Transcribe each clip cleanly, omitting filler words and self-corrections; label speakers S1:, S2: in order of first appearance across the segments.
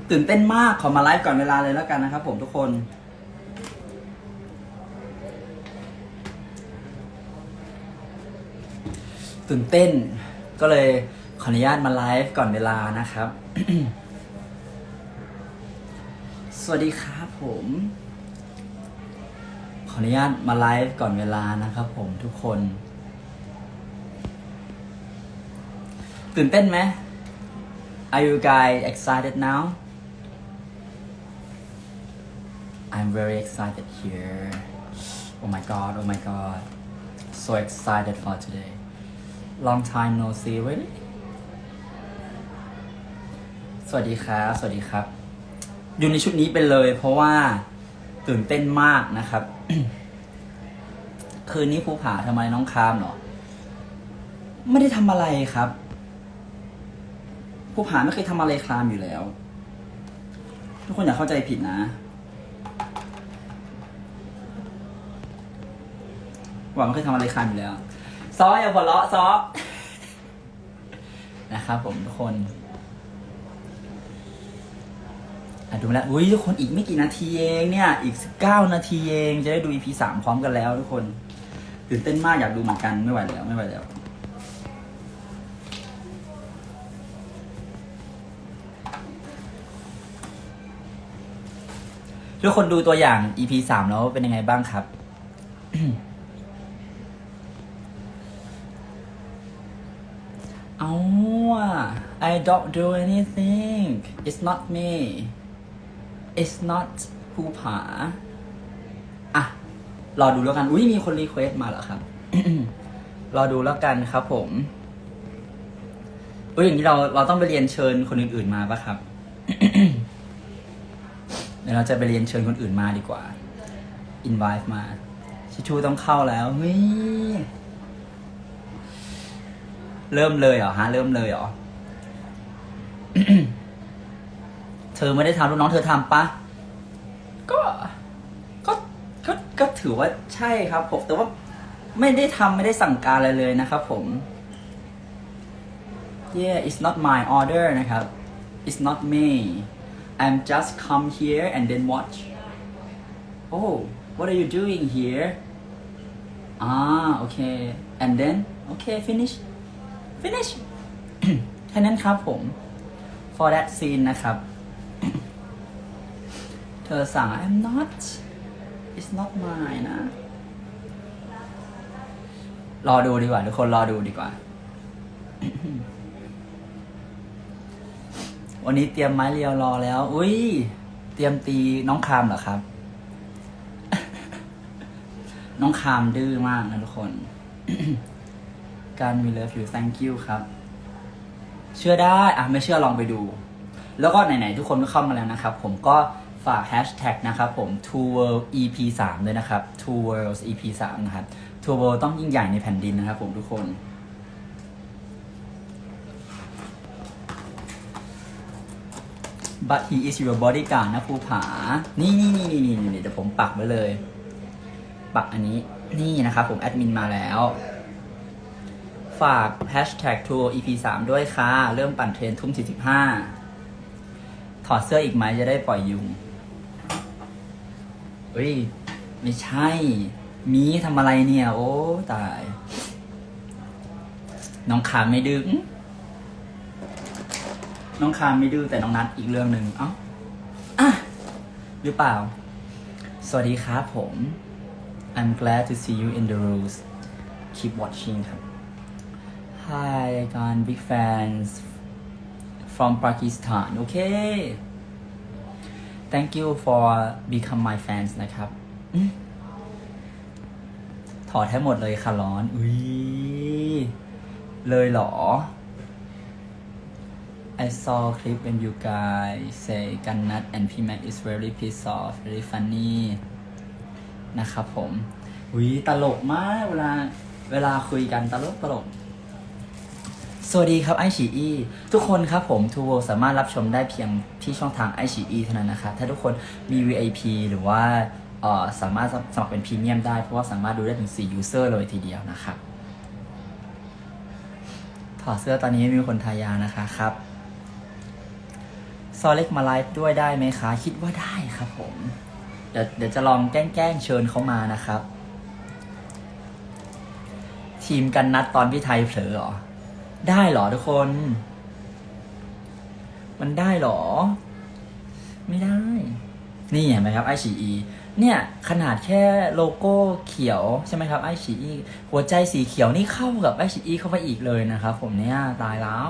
S1: ตื่นเต้นมากขอมาไลฟ์ก่อนเวลาเลยแล้วกันนะครับผมทุกคนตื่นเต้นก็เลยขออนุญาตมาไลฟ์ก่อนเวลานะครับ สวัสดีครับผมขออนุญาตมาไลฟ์ก่อนเวลานะครับผมทุกคนตื่นเต้นไหม Are you guys excited now? I'm very excited here. Oh my god, oh my god. So excited for today. Long time no see, really? สวัสดีครับสวัสดีครับอยู่ในชุดนี้ไปเลยเพราะว่าตื่นเต้นมากนะครับ คืนนี้ภูผาทำไมน้องคามเหรอไม่ได้ทำอะไรครับภูผาไม่เคยทำอะไรคลามอยู่แล้วทุกคนอย่าเข้าใจผิดนะหวังไม่เคยทำอะไรคลามอยู่แล้วซออย่าหัวเราะซอ นะครับผมทุกคนดูมาแล้วอุ้ยทุกคนอีกไม่กี่นาทีเองเนี่ยอีก19 นาทีเองจะได้ดู EP 3 พร้อมกันแล้วทุกคนตื่นเต้นมากอยากดูเหมือนกันไม่ไหวแล้วทุกคนดูตัวอย่าง EP 3 แล้วเป็นยังไงบ้างครับ เอา I don't do anything it's not me it's not ภูผาอ่ะรอดูแล้วกันอุ้ยมีคนรีเควสมาเหรอครับ รอดูแล้วกันครับผมอุ้ยอย่างนี้เราต้องไปเรียนเชิญคนอื่นๆมาปะครับ เดี๋ยวเราจะไปเรียนเชิญคนอื่นมาดีกว่า invite มาชิชูต้องเข้าแล้วเฮ้ยเริ่มเลยเหรอฮะเริ่มเลยเหรอ เธอไม่ได้ทำลูกน้องเธอทำปะก็ถือว่าใช่ครับผมแต่ว่าไม่ได้สั่งการอะไรเลยนะครับผม yeah it's not my order นะครับ it's not me I'm just come here and then watch oh what are you doing here okay and then okay finish แค่นั้นครับผม for that scene นะครับ เธอสั่ง I'm not it's not mine นะ รอดูดีกว่าทุกคนรอดูดีกว่า วันนี้เตรียมไม้เรียวรอแล้วอุ้ยเตรียมตีน้องคามเหรอครับ น้องคามดื้อมากนะทุกคน การ we love you thank you ครับเชื่อได้ไม่เชื่อลองไปดูแล้วก็ไหนๆทุกคนก็เข้ามาแล้วนะครับผมก็ฝากแฮชแท็กนะครับผม Two World EP 3ด้วยนะครับ Two Worlds EP 3นะครับ Two World ต้องยิ่งใหญ่ในแผ่นดินนะครับผมทุกคนbut he is your bodyguard นะภูผานี่เดี๋ยวผมปักไว้เลยปักอันนี้นี่นะครับผมแอดมินมาแล้วฝาก hashtag Two EP 3ด้วยค่ะเริ่มปั่นเทรนทุ่ม 45ถอดเสื้ออีกไหมจะได้ปล่อยยุงเฮ้ยไม่ใช่มีทำอะไรเนี่ยโอ้ตายน้องคามไม่ดื้อน้องคามไม่ดื้อแต่น้องนัดอีกเรื่องหนึ่งหรือเปล่าสวัสดีครับผม I'm glad to see you in the rooms keep watching ครับ Hi again big fans from Pakistan okay thank you for become my fans นะครับถอดให้หมดเลยค่ะร้อนอุ้ยเลยเหรอ I saw clip when you guys say Gannat and P-Mac is very pissed off very funny นะครับผมอุ้ยตลกมากเวลาคุยกันตลกสวัสดีครับไอฉีอีทุกคนครับผมทูโวสามารถรับชมได้เพียงที่ช่องทางไอฉีอีเท่านั้นนะครับถ้าทุกคนมี VIP หรือว่าสามารถสมัครเป็นพรีเมียมได้เพราะว่าสามารถดูได้ถึง4 user เลยทีเดียวนะครับถอดเสื้อตอนนี้ไม่มีคนทายานะคะครับซอเล็กมาไลฟ์ด้วยได้ไหมคะ คิดว่าได้ครับผม เดี๋ยวจะลองแกล้งเชิญเขามานะครับ ทีมกันนัดตอนพี่ไทยเผลอเหรอ ได้เหรอทุกคน มันได้เหรอ ไม่ได้ นี่เห็นไหมครับไอฉีอีเนี่ยขนาดแค่โลโก้เขียวใช่ไหมครับไอฉีอีหัวใจสีเขียวนี่เข้ากับไอฉีอีเข้าไปอีกเลยนะครับผมเนี่ยตายแล้ว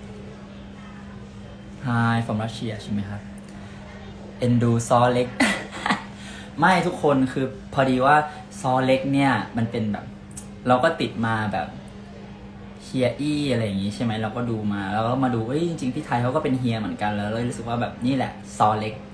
S1: Hi from Russia ใช่ไหมครับเอ็นดูซอเล็ก ไม่ทุกคนคือพอดีว่าซอเล็กเนี่ยมันเป็นแบบ เราก็ติดมาแบบเฮียอี้อะไรอย่างงี้ใช่ไหมเราก็ดูมาแล้วก็มาดูจริงๆพี่ไทยเขาก็เป็นเฮียเหมือนกันแล้วเลยรู้สึกว่าแบบนี่แหละซอเล็ก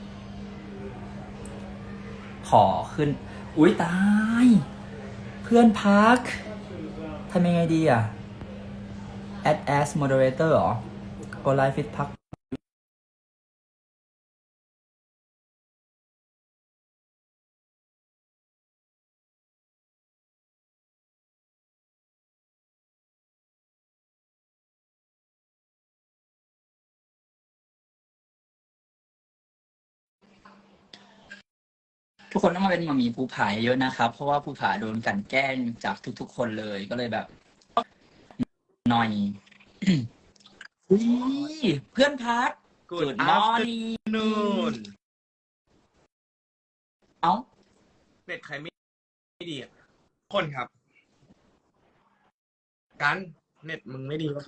S1: ขอขึ้น อุ๊ยตาย เพื่อนพักทำยังไงดีอ่ะ add as moderator เหรอ go live with พักทุกคนต้องมาเป็นหมามีภูผาเยอะนะครับ เพราะว่าภูผาโดนกลั่นแกล้งจากทุกๆคนเลยก็เลยแบบหน่อย อุ๊ยเพื่อนพัก
S2: Good
S1: morning
S2: afternoon
S1: เอ้า
S2: เน็ตใครไม่ดีอ่ะ คนครับ กันเน็ตมึงไม่ดีวะ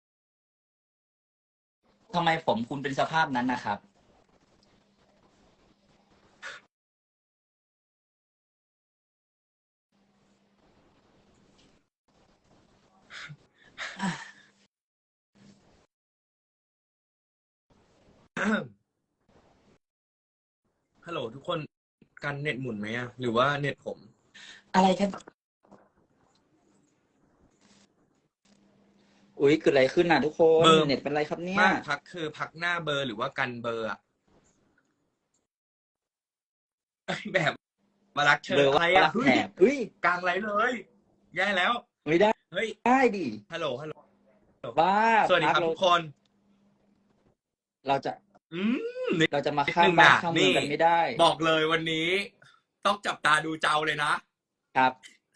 S1: ทำไมผมคุณเป็นสภาพนั้นนะครับ
S2: ฮัลโหลทุกคนกันเน็ตหมุนไหมอ่ะ หรือว่าเน็ตผม
S1: อะไรกัน อุ๊ยเกิดอะไรขึ้นน่ะทุกคน
S2: เบอร์
S1: เน็ตเป็นไรครับเนี่ย
S2: มากพักคือพักหน้าเบอร์หรือว่ากันเบอร์อ่ะ แบบมารักเชิญ
S1: เบอร์
S2: อะไร
S1: ว่า
S2: อ่ะ
S1: รักแถบเฮ้ย
S2: กลางไรเลย แย่แล้ว
S1: ไม่ได้
S2: เฮ้ย
S1: ได้ดิ
S2: ฮัลโหล ฮัลโหล
S1: บ้า
S2: สวัสดีครับ
S1: พัก
S2: ทุกคน
S1: เราจะ
S2: อืม
S1: เราจะมาข้ามบ้านข้ามเมืองกันไม่ได้
S2: บอกเลยวันนี้ ต้องจับตาดูเจ้าเลยนะ
S1: ครับ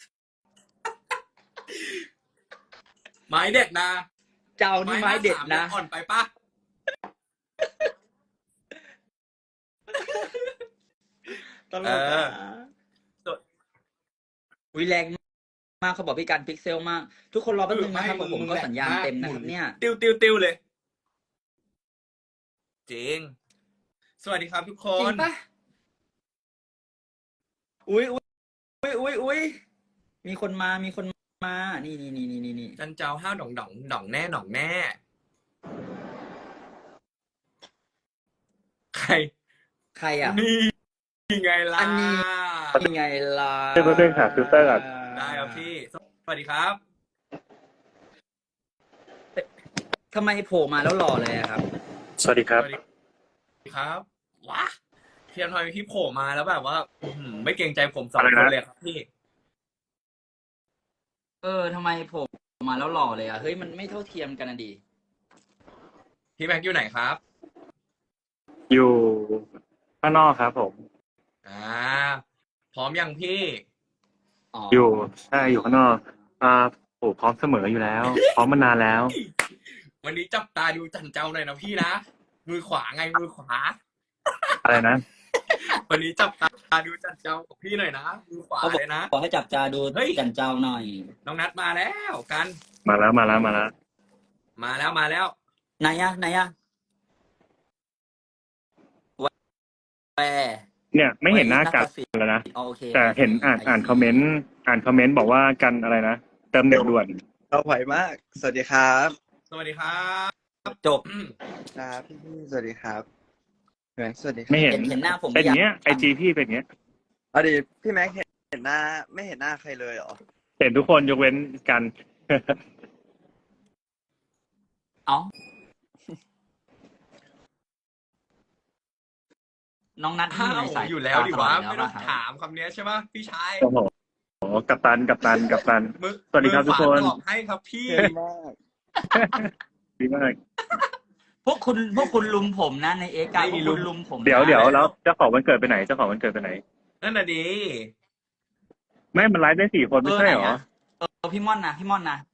S2: ไม้เด็ดนะ
S1: เจ้านี่ไม้เด็ดนะ
S2: อ่อนไปปะ
S1: ตลกอ่ะวิแรงมากเขาบอกพี่การพิกเซลมาก ทุกคนรอแป๊บนึงนะครับผมก็สัญญาณเต็มนะครับเนี่ย
S2: ติวเลย จริง สวัสดีครับทุกค
S1: จริ
S2: น
S1: งปะอุ้ยมีคนมา นี่
S2: จันเจ้าห้าวด่องแน่ ใคร
S1: ใครอ่ะ
S2: นี่ไงล่ะ
S1: อันนี้ ยังไงล่ะ
S3: เพื่อนๆหาฟิลเตอร์ก่อน
S2: ได้ครับพี่ สวัสดีครับ
S1: ทำไมโผล่มาแล้วหล่อเลยอะครับ
S3: สวัสดีครับ
S2: สวัสดีครับว้าเทียนทอยพี่โผล่มาแล้วแบบว่าไม่เกรงใจผมสอง
S3: อะไร
S2: คน
S3: นะ
S2: เลยครับพี่
S1: ทำไมโผล่มาแล้วหล่อเลยอ่ะ เฮ้ยมันไม่เท่าเทียมกันนะดี
S2: พี่แม็กอยู่ไหนครับ
S3: อยู่ข้างนอกครับผม
S2: พร้อมยังพี่
S3: อยู่ใช่อยู่ข้างนอกโอ้พร้อมเสมออยู่แล้ว พร้อมมานานแล้ว
S2: วันนี้จับตาดูจันเจ้าหน่อยนะพี่นะ มือขวาไงมือขวา
S3: อะไรนะ
S2: วันนี้จับตาดูจันเจ้ากับพี่หน่อยนะมือขวา
S1: เขาบอก
S2: เลยนะ
S1: ขอให้จับจาดู
S2: เฮ้ย
S1: กันเจ้าหน่อย
S2: น้องนัดมาแล้วกัน
S3: มาแล้ว
S2: มาแล้ว
S1: ไหนอะแวร์
S3: เนี่ยไม่เห็นหน้ากันแล้วนะ
S1: โอเค
S3: แต่เห็นอ่านคอมเมนต์บอกว่ากันอะไรนะเติมเน็ตด่วน
S4: เราไหวมาก สวัสดีครับ
S2: สวัสดีครับ
S1: จบ
S4: ครับพี่สวัสดีครับแม็กสวัสดีครับ
S3: ไม่เห็น
S1: เห็นหน้าผม
S3: เป็นอย่างเงี้ย
S1: หรือยัง
S3: IG พี่เป็นอย่างเงี้ย
S4: เอาดิพี่แม็กเห็นหน้าไม่เห็นหน้าใครเลยเหรอ
S3: เห็นทุกคนยกเว้นกัน
S1: เอ้าน้องนัด
S2: อ้าว
S1: ในสาย
S2: อยู่แล้วดิวะ
S1: ตล
S2: ไม่
S1: ด
S2: ต้อง
S1: ครับ
S2: ถามคำนี้ใช่ปะพี่ชาย
S3: โอ้โหกัปตัน
S2: มือ
S3: สวัสดีครับทุกคน
S2: มือขวาตอบให้ครับพี่
S4: เก่งมาก
S3: ดีมาก
S1: พวกคุณลุมผมนะในเอ็กซ์พวกคุณลุมผมนะ
S3: เดี๋ยวแล้วเจ้าของวันเกิดไปไหนเจ้าของวันเกิดไปไหน
S2: นั่นน่ะดี
S3: ไม่มันไลฟ์ได้4 คนไม่ใช่เหรอ
S1: ไหนอะพี่ม่อนนะ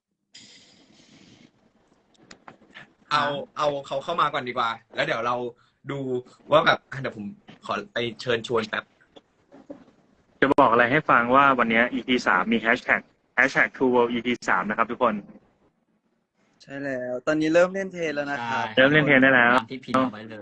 S2: เอาเขาเข้ามาก่อนดีกว่า แล้วเดี๋ยวเราดูว่าแบบเดี๋ยวผมขอไปเชิญชวนแป๊บ
S3: จะบอกอะไรให้ฟังว่าวันนี้ EP 3มีแฮชแท็ก True World EP 3นะครับทุกคน
S4: ใช่แล้ว ตอนนี้เริ่มเล่นเทรนแล้วนะครับ
S3: เริ่มเล่นเทรนได้แล้ว
S1: ตามที่พิมพ์เอาไว้เลย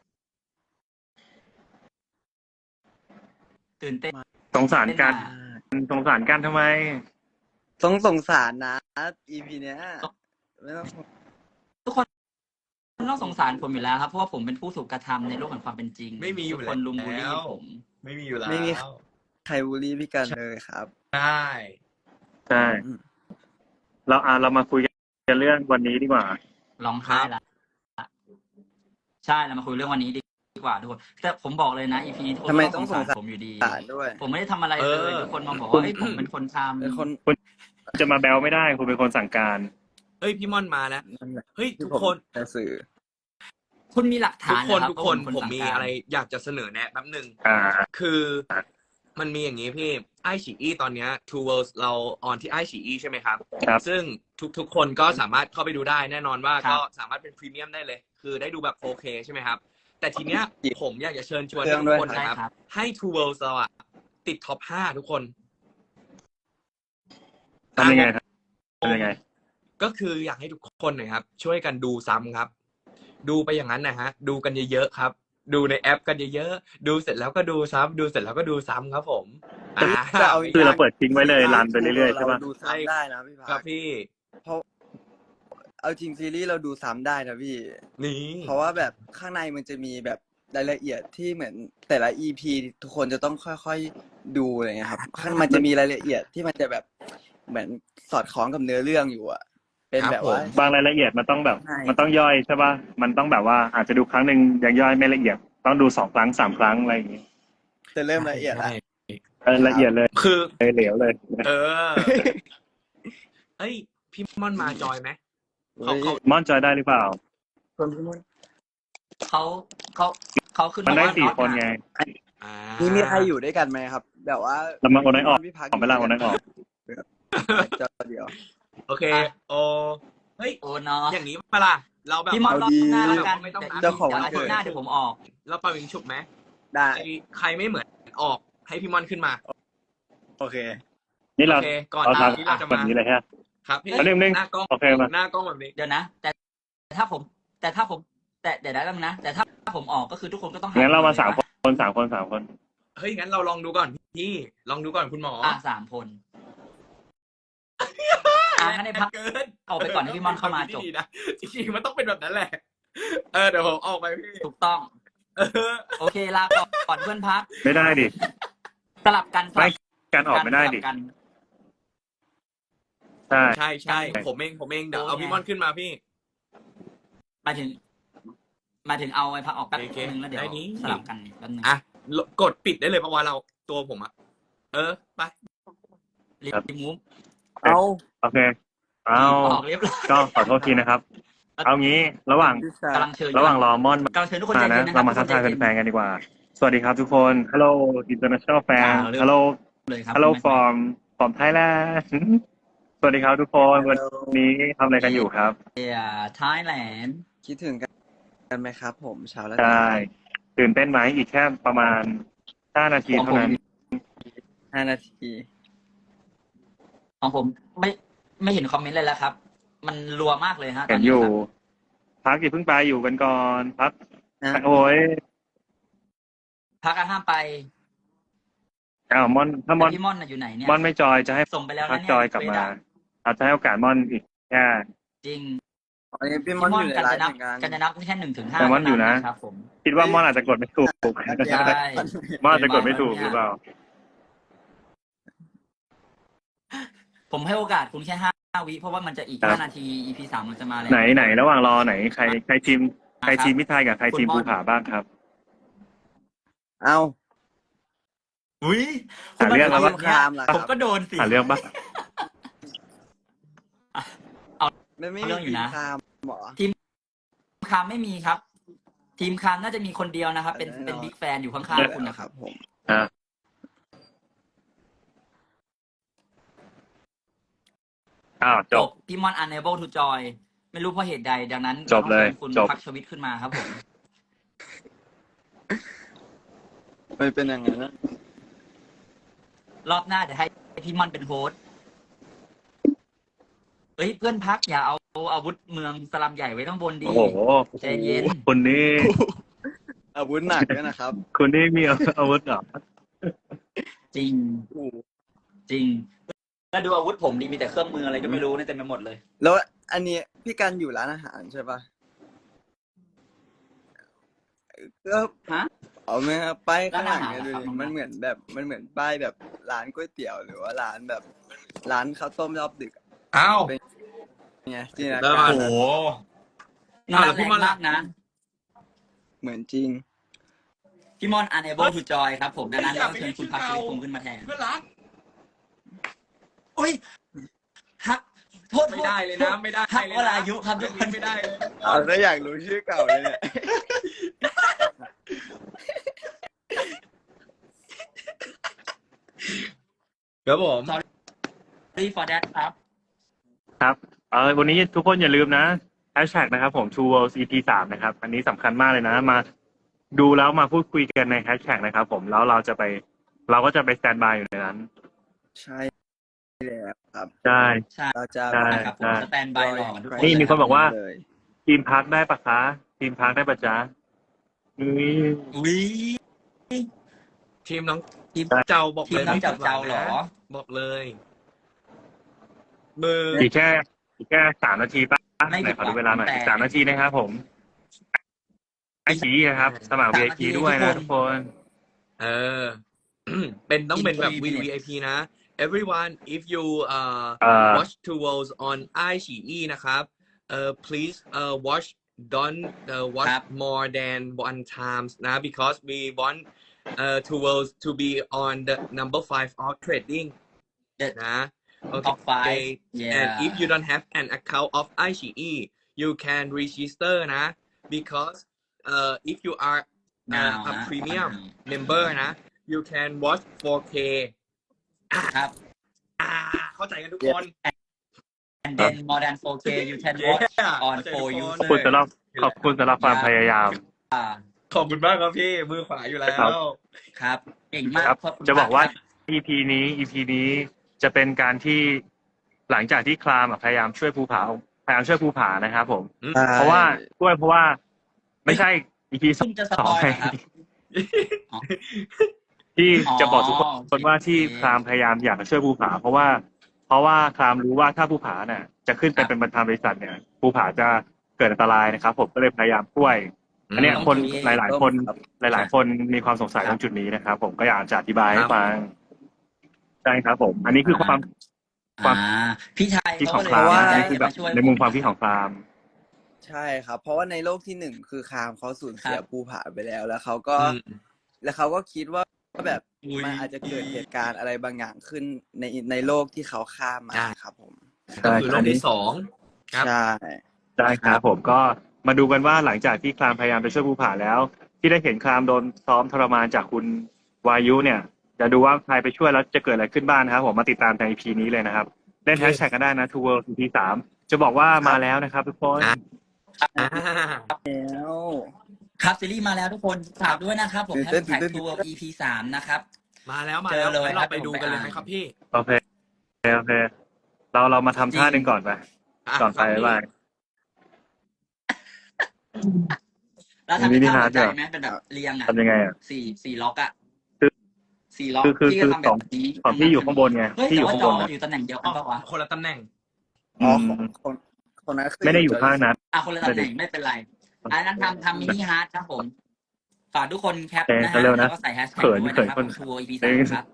S1: ตื่นเต้น
S3: สงสารกันทำไม
S4: ต้องสงสารนะ EP เนี้ยไม่ต้อง
S1: ทุกคนต้องสงสารผมอยู่แล้วครับเพราะว่าผมเป็นผู้ถูกกระทำในโลกแห่งความเป็นจริง
S2: ไม่มีอยู่
S1: ทุกคนลุมบูลลี่
S2: แล้ว
S1: ผม
S2: ไม่มีอยู่แล้ว
S4: ไม่มี ใครบูลลี่พี่กันเลยครับ
S2: ได้
S3: ใช่ เรามาคุยกันเรื่องวันนี้ดีกว่า
S1: ร้องไห้ละใช่เรามาคุยเรื่องวันนี้ดีกว่าทุกคนแต่ผมบอกเลยนะอีพีนี้ทุกคน
S4: ทำไม
S1: ต้
S4: ต้
S1: อ
S4: อง ง
S1: ส
S4: ส
S1: ง
S4: ง
S1: สา
S4: สาร ร
S1: ผมอยู่ดี
S4: ด้วย
S1: ผมไม่ได้ทำอะไรเลยทุกคนมาบอกว่าเฮ้ยผมเป็นคนทำ
S4: เป็นคน
S3: จะมาแบลไม่ได้คุณเป็นคนสั่งการ
S2: เฮ้ยพี่ม่อนมาแล้ว
S4: นั่นแหละ
S2: เฮ้ย
S4: ที่
S2: ทุก
S4: ผม
S2: คน
S4: จะสื่อ
S1: คุณมีหลัก
S2: ทุ
S1: ฐาก น
S2: คน
S1: นะครับ
S2: ทุกคน
S1: ว่า
S2: ผมมี
S1: สั่งกา
S2: อะไรอยากจะเสนอแนะแป๊บหนึ่ง
S3: อ่า
S2: คือมันมีอย่างนี้พี่ไอฉีอีตอนเนี้ย Two Worlds เราออนที่ไอฉีอีใช่ไหมครับ
S3: ครับ
S2: ซึ่งทุกคนก็สามารถเข้าไปดูได้แน่นอนว่า
S1: ครับ
S2: ก็สามารถเป็นพรีเมียมได้เลย คือได้ดูแบบ 4K ใช่ไหมครับ แต่ทีเนี้ยผมอยากจะเชิญชวน
S4: เครื่
S2: ทุ
S4: อง
S2: ก
S4: ด้วย
S2: คน
S1: ได้
S2: นะครับ
S1: ครับ
S2: ให้ Two Worlds เราอะติดท็อป 5 ทุกคน
S3: ทำยังไงครับทำยังไง
S2: ก็คืออยากให้ทุกคนนะครับ ช่วยกันดูซ้ำครับ ดูไปอย่างนั้นนะฮะ ดูกันเยอะๆครับ ดูในแอปกันเยอะๆดูเสร็จแล้วก็ดูซ้ำดูเสร็จแล้วก็ดูซ้ำครับผม
S4: จะเอา
S3: คือเราเปิดทิ้งไว้เลยรันไปเรื่อยๆใช่ปะ
S4: เราดูซ้ำได้นะพี่
S2: ครั
S4: พั
S2: บ
S4: ก
S2: พี่
S4: เพราะเอาจริงซีรีส์เราดูซ้ำได้นะพี่
S2: นี่
S4: เพราะว่าแบบข้างในมันจะมีแบบรายละเอียดที่เหมือนแต่ละ EP ทุกคนจะต้องค่อยๆดูอะไรเงี้ยครับข้างมันจะมีรายละเอียดที่มันจะแบบเหมือนสอดคล้องกับเนื้อเรื่องอยู่อะเป็นแบบว่า
S3: บางรายละเอียดมันต้องแบบ
S4: ใช่
S3: มันต้องย่อยใช่ปะมันต้องแบบว่าอาจจะดูครั้งหนึ่งยังย่อยไม่ละเอียด ต้องดู2 ครั้ง 3 ครั้งอะไรอย่างงี้
S4: จะเริ่มละเอียดแล้ว
S3: ละเอียดเลย
S2: คือ
S3: เหลวเลย
S2: เออ เอ้ย พี่ม่อนมาจอยไหมเขา
S3: ม่อนจอยได้หรือเปล่า
S4: คนพี่มด
S1: เขาขึ้น
S3: มันได้
S1: ว่า
S3: 4 คนไง
S2: อ่า
S4: นี่มีใครอยู่ด้วยกันไหมครับ แบบว่า
S3: เรามาโอนให้ออก
S4: พี่พัก
S3: ออกไปละโอนให้ออก
S4: จอเดียว
S2: โอเค โอเฮ้ย
S1: โอ้เนาะ
S2: อย่างนี้ปะล่ะเราแบบ
S1: พี่มอนรอบหน้า
S4: เอาดี
S1: แล้วกัน
S2: ไม่ต้องนับ
S4: เจ้าของวัน
S1: อา
S4: เกิ
S1: ทิต
S4: ด
S1: ย์หน้าเดี๋ยวผมออก
S2: เราเป่ายิงฉุบไหม
S4: ได้
S2: ใครไม่เหมือนออกให้พี่ม่อนขึ้นมา
S4: โอเค
S3: นี่เรา
S2: โอเคก่อน
S3: เรา
S2: หน้า
S3: ทำ
S2: ที่เราจะ
S3: แบบ
S2: มา
S3: นี้เลยฮะ
S2: ครับพี่
S3: เอาเรื่องหนึ่ง
S2: หน้ากล้อง
S3: โอเคมา
S2: หน้ากล้องแบบนี้
S1: เดี๋ยวนะ แต่ถ้าผมแต่เดี๋ยวได้แล้วนะ แต่ถ้าผมออกก็คือทุกคนก็ต้องห
S3: งั้นเรามา
S1: ลย
S3: 3 คน3 คน3 คน
S2: เฮ้ยงั้นเราลองดูก่อนพี่ลองดูก่อนคุณหมอ
S1: 3 คนงั้นให้พัก
S2: เกิน
S1: เอาไปก่อนให้พี่ม่อนเข้ามาจบ
S2: ดีนะจริงๆมันต้องเป็นแบบนั้นแหละ เดี๋ยวผมออกไปพี่
S1: ถูกต้อง
S2: เออ
S1: โอเคลาก่อนเพื่อนพัก
S3: ไม่ได้ดิ
S1: สลับกันสลับ
S3: การออกไม่ได้ดิ
S1: สลับกัน
S3: ใช่
S2: ใช่ใช่ผมเองเดี๋ยวเอาพี่ม่อนขึ้นมาพี่
S1: หมายถึงเอาไอ้พักออกแป๊บ
S2: โอเค
S1: นึงแล้วเดี๋ยว
S2: ได้นี้
S1: สลับกันแป๊บนึง
S2: อ่ะกดปิดได้เลยเพราะว่าเราตัวผมอะไป
S1: รีบมูฟ
S4: เอา
S3: โอเค เอา
S1: ออกเรียบร้อย
S3: ก็ขอโทษทีนะครับ เอางี้ระหว่าง
S4: พี่ชาย
S1: กำลังเชิญ
S3: ระหว่างรอม่อน
S1: กำลังเชิญทุกคน
S3: มา
S1: ใจ
S3: นะ
S1: เย็นนะค
S3: เรา
S1: รับ
S3: มาทักทายแฟนๆกันดีกว่า สวัสดีครับทุกคน Hello International Fan Hello
S1: เลยครับ
S3: Hello from Thailand สวัสดีครับทุกคน วันนี้ทำอะไรกันอยู่ครับ
S1: ไทยแลนด์
S4: คิดถึงกันไหมครับ ผมเช้าแล้ว
S3: ใช่ตื่นเต้นไหมอีกแค่ประมาณ5 นาทีเท่านั้น
S4: 5 นาที
S1: ของผมไม่เห็นคอมเมนต์เลยแล้วครับ มันรัวมากเลยฮะ
S3: เห็นอยู่ พักอย่าเพิ่งไปอยู่กันก่อน พัก
S4: นะ
S3: โอ้ย
S1: พักห้ามไป
S3: อ้าวม่อนถ้าม่อน
S1: แต่พี่ม่อนน่ะอยู่ไหนเนี่ย
S3: ม่อนไม่จอยจะให้
S1: ส่งไปแล้ว
S3: พั
S1: นะ
S3: ก
S1: เนี่ย
S3: จอยกลับมา
S1: เฟซอะ
S3: อาจจะให้โอกาสม่อนอีกแค่
S1: จริง
S4: อันนี้พี่
S1: พี่
S4: มอน
S1: ม่อ
S4: อน ยู่ใน
S1: กัน
S4: ไล
S1: จะ
S4: ฟ์
S1: นับ
S4: เหมือนกัน
S1: กันจะนับแค่1 ถึง 5
S3: แต่ม่อนอยู่นะ
S1: ครับผม
S3: คิดว่าม่อนอาจจะกดไม่ถูก
S1: ใช่
S3: ม่อนอาจจะกดไม่ถูกหรือเปล่า
S1: ผมให้โอกาสคุณแค่5 วิเพราะว่ามันจะอีก
S3: ครับ
S1: 5 นาที EP 3 มันจะมาแล้ว
S3: ไหนระหว่างรอไหนใครทีมมิตรไทยกับใครทีม
S1: คุณม่
S3: ภู
S1: อน
S3: ผาบ้างครับ
S4: เอา
S1: อุ้ย
S3: หาเรื่องแล้ว
S4: ส
S3: วะ
S4: งครามล่ะค
S1: ผ
S4: รั
S1: ม
S4: บ
S1: ก็โดนสิ
S3: หาเรื่องปะ
S4: ไม่
S1: เรื่องอยู่นะ
S4: สงครามหรอ
S1: คคามไม่มีครับ ทีมคามน่าจะมีคนเดียวนะครับ เป็นบิ๊กแฟนอยู่ข้างๆคุณนะครับ
S4: ผม
S3: อ่ะจ
S1: จ
S3: บบ
S1: พี่มอน unable to join ไม่รู้เพราะเหตุใด ดังนั้น
S3: จบเลย
S1: ต้องชิญคุณ
S3: จบ
S1: พักชวิตขึ้นมาครับผม
S4: ไม่เป็นอย่างนั้นนะ
S1: รอบหน้าเดี๋ยวให้พี่มอนเป็นโฮสต์เอ้ยเพื่อนพักอย่าเอาอาวุธเมืองสลัมใหญ่ไว้ข้างบนดี
S3: โอ้โห
S1: ใจเย็น
S3: คุณนี่
S4: อาวุธหนักด้วยนะครับ
S3: คุณนี่มีอาวุธเหรอ
S1: จริง จริง แล้วดูอาวุธผมดีมีแต่เครื่องมืออะไรก็ไม่รู้เนี่ยเต็มไปหมดเลย
S4: แล้วอันนี้พี่กันอยู่ร้านอาหารใช่ปะก็
S1: ฮะ
S4: เอาไหมครับป้ายข้างหลังเนี่ย
S1: ร้านอาหาร
S4: ดู
S1: ครับ
S4: ดิมันเหมือนแบบมันเหมือนป้ายแบบร้านก๋วยเตี๋ยวหรือว่าร้านแบบร้านข้าวต้มรอบดึกอะ
S2: อ้าว
S4: ไงจินตนา
S2: แล้ว
S4: การ
S2: โอ้โห
S1: น่า
S2: แล้วพี่
S1: แรง
S2: มอน
S1: มากนะ
S4: เหมือนจริง
S1: พี่มอน unable to join ครับผมดังนั้นเราเชิญคุณพักชวิตคงขึ้นมาแทน
S2: เพื่อนรัก
S1: โอ้ยฮักโทษ
S2: ไม่ได้เลยนะ ไม่ได้
S1: ฮัก
S2: เล
S1: วย
S2: นะ
S1: ลาอายุครับทุกคน
S2: ไม่ได้เลย
S4: เอาถ้าอยากรู้ชื่อเก่าเลยเนี่ย
S2: ครับผม
S1: sorry for that ครับ
S3: ครับวันนี้ทุกคนอย่าลืมนะแฮชแท็กนะครับผม True World EP 3นะครับ อันนี้สำคัญมากเลยนะ มาดูแล้วมาพูดคุยกันในแฮชแท็กนะครับผมแล้วเราก็จะไปสแตนบายอยู่ในนั้น
S4: ใช่แล้วครับ
S3: ใช่
S1: ใช่
S4: เราจะ
S3: ใช่
S1: นะครับผมสแตนบายรอกันทุกคน
S3: นี่มีคนบอกว่า
S4: เลย
S3: ทีมพักได้ปะคะทีมพักได้ปะจ๊ะนี่
S1: อุ้ย
S2: ทีมน้อง
S1: ทีม
S2: เจ้าบอก
S1: ที
S2: เล
S1: ม
S2: ย
S1: น้องเจ้าเจ้าเหรอ
S2: บอกเลยมือ
S3: อีกแค่3 นาทีป่ะ
S1: ไม่
S3: ไหน
S1: ผิด
S3: ขอดูเวลาหน่อย
S1: แต่
S3: อีก3 นาทีนะครับผมไอชีนะครับ สมัคร VIP ด้วยนะทุกคน
S2: เออ เป็นต้องเป็นแบบ
S1: In 3 minutes
S2: VIP นะ everyone if you watch two worlds on iQIYI นะครับplease watch don't watch
S1: ครับ
S2: more than one times นะ because we want two worlds to be on the number 5 of trading
S1: The-
S2: นะ
S1: top five
S2: okay
S1: yeah
S2: and if you don't have an account of iQIYI you can register นะ because if you are
S1: now
S2: a
S1: นะ
S2: premium member นะ you can watch 4K
S1: ครับ
S2: เข้าใจกันทุกคน
S1: and then more than 4K you can watch
S2: Yeah
S1: on
S2: เข้าใจ
S1: 4
S2: ทุกคน
S1: user
S3: ขอบคุณสำหรับความพยายาม
S2: ขอบคุณมากครับพี่ มือขวาอยู่แล้
S3: ครับ
S2: ว
S1: ครับเก่งมาก
S3: ครับ
S1: ขคุณ
S3: จะบอกว่า
S1: ครับ
S3: EP นี้จะเป็นการที่หลังจากที่คลามพยายามช่วยภูผานะครับผม เพราะว่าไม่ใช่ EP
S1: ซึ่งจะสปอยล์นะครับ
S3: ที่จะบอกทุก
S1: อ๋อ
S3: คนว่าที่
S1: โอเค
S3: คลามพยายามอยากจะช่วยภูผาเพราะว่าคลามรู้ว่าถ้าภูผาเนี่ยจะขึ้นไป
S1: ครับ
S3: เป็นประธานบริษัทเนี่ยภูผาจะเกิดอันตรายนะครับ ผมก็เลยพยายามช่วย อันเนี้ย
S1: ต้อง
S3: คน
S1: มี
S3: หลายๆคน
S4: ครับ
S3: หลายๆคนมีความสงสัย
S1: ครั
S3: ต
S1: บ
S3: รงจุดนี้นะครับ ผมก็อยากจะอธิบายให้
S2: ครับ
S3: ฟังใช่ครับผม อันนี้คือความ
S1: อ่าพี่ชาย
S3: คิด
S1: เขา
S3: ของ
S1: ก็เลย
S3: คลาม
S1: ตั้งใจ
S3: อันนี้คือ
S1: จะ
S3: แบ
S1: มา
S3: บ
S1: ช่วย
S3: ในมุมความคิดของคลาม
S4: ใช่ครับ เพราะว่าในโลกที่หนึ่งคือคามเขาสูญเสีย
S1: ครับ
S4: ภูผาไปแล้ว แล้วเขาก็คิดว่าแบบ
S2: อุ๊ย
S4: มันอาจจะเกิดเหตุการณ์อะไรบางอย่างขึ้นในโลกที่เขาข้ามมา
S2: อ่า
S4: ครับผม
S2: ก็คือโลกที่สอง ครับ
S4: ใช่
S3: ได้ครับผมก็มาดูกันว่าหลังจากที่คลามพยายามไปช่วยภูผาแล้ว ที่ได้เห็นคลามโดนซ้อมทรมานจากคุณวายุเนี่ยจะดูว่าใครไปช่วยแล้วจะเกิดอะไรขึ้นบ้างนะครับผมมาติดตามใน EP นี้เลยนะครับเล่นแฮชแท็กกันได้นะ Two World EP 3จะบอกว่ามาแล้วนะครับทุกคน
S2: อ่ะ อ่า
S4: แล้ว
S1: ครับซีรีส์มาแล้วทุกคนฝากด้วยนะครับผม
S4: ตื่น
S1: แฮ
S4: เต้
S1: ช
S4: น
S1: แท็ก
S4: ตื่นเต้น
S1: ทัวร์ EP 3นะครับ
S2: มาแล้ว
S1: เจอเลย
S2: งั้นเรา
S1: ครับ
S2: ไปดูกันเลยไหม
S1: ผมไปอ่าน
S2: ครับพี่
S3: โอเคเรามาทำท่าหนึ่งก่อนไป
S2: อ่ะ
S3: ก่อนไป
S2: ครับพี่
S3: บ๊ายบาย
S1: แล้วทำเป็น
S3: มินิ
S1: ท่า
S3: ฮาร์
S1: หั
S3: ท
S1: วใจ
S3: ด้วย
S1: ไหมเป็นแบบเรียงอ่ะ
S3: ทำยังไงอ่ะ
S1: สี่ล็อกอ่ะ
S3: คือ
S1: สี่ล็อก
S3: คือ
S1: พี่ก็ทำแบบนี้
S3: ของพี่อยู่ข้างบนไง
S1: เฮ้ย
S3: พี่อ
S1: แต่
S3: ยู่
S1: ว่า
S3: ข้าง
S1: จ
S3: บ
S1: อน
S3: นะ
S1: อยู่ตำแหน่งเดียวกันปะวะ
S2: คนละตำแหน่ง
S4: อ๋อ
S3: อืม
S4: คนนั้นคือ
S3: ไม่ได้อยู่ข้างนั้น
S1: อ่ะคนละตำแหน่งไม่เป็นไรอันนั้นทำมินิฮาร์ดครับผมฝากทุกคนแคปนะฮะ
S3: เร็วๆนะ
S1: แล้วก็ใส่แฮชแท็ก
S3: เขิน
S1: ด้วย
S3: เขิน
S1: นะครับ
S3: คน
S1: ทัวร์ EP 3ครับ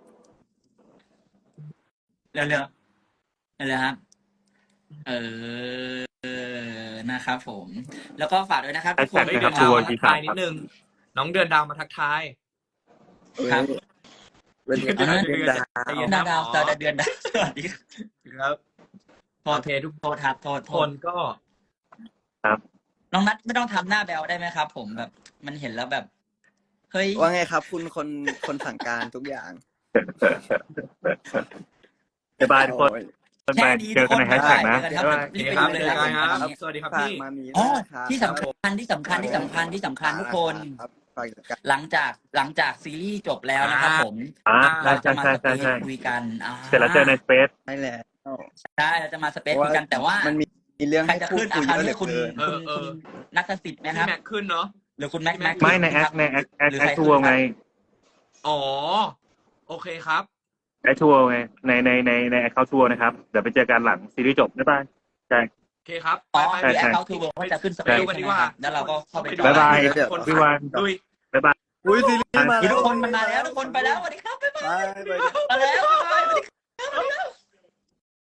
S1: เร็วๆครับเออนะครับผม แล้วก็ฝากด้วยนะครับทุกคน
S3: แฮชแท็ก
S2: เดื
S3: นะ
S2: อน
S3: ครับ
S2: ดาวมาทักทายนิดนึง น้องเดือนดาวมาทักทาย
S1: ครับ
S4: เป็นเดือน
S2: เดือน
S4: เดือนดา
S2: ใจ
S4: ว
S2: เย็น
S1: ดาวเดือนดาวสวัสดีครับ
S2: ครับ
S1: โทษ
S2: โอเคทุก
S1: โทษครับโทษ
S2: คนก็
S1: น้องนัทไม่ต้องทำหน้าแบวได้ไหมครับผมแบบมันเห็นแล้วแบบเฮ้ย
S4: ว่าไงครับ คุณคนสั่งการทุกอย่าง
S3: บ๊ายบายทุกคน
S4: โอ้ย
S1: แค่
S3: ไป
S1: นี้
S3: เจอกันในแฮชแท็กนะ
S1: เจอกันครับ
S3: บ๊ายบาย
S1: รีบ
S2: โอ
S1: ไป
S2: เค
S1: ดู
S2: ครับ
S1: เลย
S2: เจ
S1: ค
S2: อ
S1: รับ
S2: กันครับ
S1: ผม
S2: สวัสดีครับ
S4: ฝาก
S2: พี่
S4: มามี
S1: อ๋อ
S4: ด้วยนะครับ
S1: ที่สำคัญที่สำคัญทุกคน
S4: ครับฝากกัน
S1: หลังจากซีรีส์จบแล้วนะครับผม
S3: ใช่
S1: เราจะมา
S3: ใช่
S1: ส
S3: ใช่
S1: เป
S3: ใช่
S1: ซคุยกัน
S3: เสร็จแล้วเจอในสเปซ
S4: ได้แล้ว
S1: ใช่เราจะมาสเปซคุยกันแต่ว่า
S4: มันมีเรื่อง
S1: ใคร
S4: ให้
S1: จะ
S4: พู
S1: ขึ้
S4: ด
S1: น
S4: คุย
S1: ค
S4: เย
S1: ราว
S4: อะเหลื
S1: นี้
S4: อ
S1: คุณ
S4: เกิน
S1: คุณนัทสิทธิ์ไหมค
S2: พี่
S1: รับ
S2: แม็กขึ้นเนาะ
S1: หรือคุณแม็ก
S3: ไม่ในแอค
S1: หรือ
S3: แอ
S1: ใคร
S3: คทัวร์ไง
S2: อ๋อ โอเคครับ
S3: แอคทัวร์ไงในแอคเคาท์ทัวร์นะครับเดี๋ยวไปเจอกันหลังซีรีส์จบบ๊ายบายใช่
S2: โอเคครับ
S1: อ๋อ
S2: ไป
S1: คือ
S2: ไป
S1: แอค
S2: ไป
S1: เคาท์ทูเวิร์ก็จะขึ้นสเป
S2: ไป
S1: ซ
S2: ดูกัน
S1: ใช่
S2: ดี
S1: ไหม
S2: กว่า
S1: ครับแล้วเราก็เข้าไปดู
S3: บ๊ายบาย
S4: เดี๋ยว
S3: พี่วัน
S2: ดุย
S3: บ๊ายบาย
S4: อุ้ยซีรีส์มา
S1: คือ
S4: แล้ว
S1: ทุกคนมันมาแล้วทุกคนไปแล้วสวัสดีครับบ๊ายบาย
S4: ไป
S1: มาแล้ว